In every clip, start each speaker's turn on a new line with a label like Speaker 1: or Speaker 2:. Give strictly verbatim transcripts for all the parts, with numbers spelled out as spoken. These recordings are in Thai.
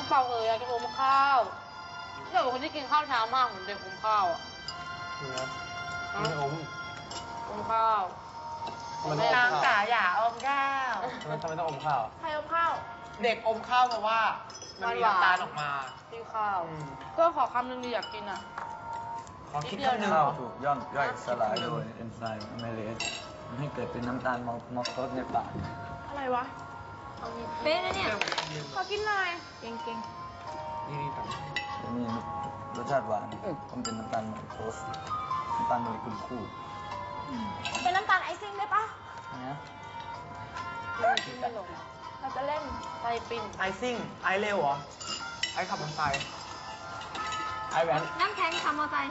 Speaker 1: เปล่าเอ๋ยอยากกินอมข้าวเดี๋ยวคนที่กินข้าวเช้ามากเหมือนเด็กอมข้าวอ่ะ
Speaker 2: นี่นะนี่อม
Speaker 1: อมข้าว
Speaker 2: มันต้องอม
Speaker 3: นาง
Speaker 2: ข้าว
Speaker 3: จ๋าอย่าอมข้าว
Speaker 2: มันทำไมต้องอมข้าว
Speaker 3: ใครอมข้าว
Speaker 4: เด็กอมข้าวเพราะว่ามันมีน้ำตาลออกมา
Speaker 1: ที่ข้าว
Speaker 4: อืม
Speaker 1: ก็ขอคำหนึ่งดีอยากกินอ่ะ
Speaker 4: ขอคิดคำหนึ่ง
Speaker 5: ข้าวถูกย่อยย่อยสลายโดยเอนไซม์อะไมเลสทำให้เกิดเป็นน้ำตาลมอลโตสในปาก
Speaker 3: อะไรวะ
Speaker 1: เป๊ะนะเนี่ย
Speaker 3: ขอกินหน่อยเก่งเก่ง
Speaker 4: นี่นี่ต่อ
Speaker 5: จะมีรสชาติหวานเพราะมันเป็นน้ำตาลมอลโตสน้ำตาลโมเลกุลคู่
Speaker 3: เป็นน้ำตาลไอซิ่งได้ปะ
Speaker 5: นะ
Speaker 1: ไม่ลง
Speaker 3: เราจะเล่น
Speaker 1: ไส้ปิ้ง
Speaker 4: ไอซิ่ง ไอเร็วเหรอ ไอขับมอเตอร์ไซค์ไอแว้น
Speaker 3: น้ำแข็งทำมอไซค์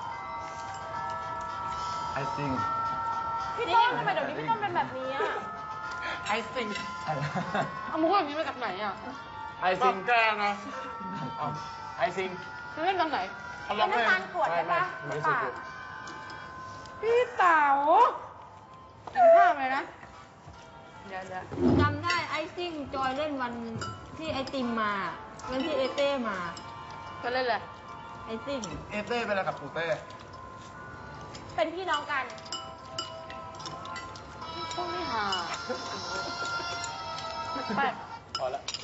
Speaker 5: ไอซิ่ง
Speaker 3: พี่ต้นทำไมเดี๋ยวนี้พี่ต้นเป็นแบบนี้อ่ะ
Speaker 4: ไอซิ่ง
Speaker 5: อะไร
Speaker 1: เอามุกอย่างนี้มาจากไหนอ่ะ
Speaker 4: ไอซิ่งแกนะเอาไอซิ่ง
Speaker 1: จะเล่นตอนไหน
Speaker 4: เขาล
Speaker 3: เป็
Speaker 4: อง
Speaker 3: นน้ำตาลกรวดได้ปะ
Speaker 4: ไม่
Speaker 3: ใน
Speaker 4: ไม่
Speaker 3: ปาก
Speaker 1: พี่เต๋ากินข้าวไหมนะเดี๋ยวเดี๋ยว
Speaker 6: จำได้ไอซิ่งจอยเล่นวันที่ไอติมมา วันที่เอเต้มา
Speaker 1: จะเล่นอะไร
Speaker 6: ไอซิ่ง
Speaker 4: เอเต้เป็นอะไรกับปูเต้
Speaker 3: เป็นพี่น้องกัน
Speaker 1: พวกนี้หาแปลก
Speaker 2: พอละ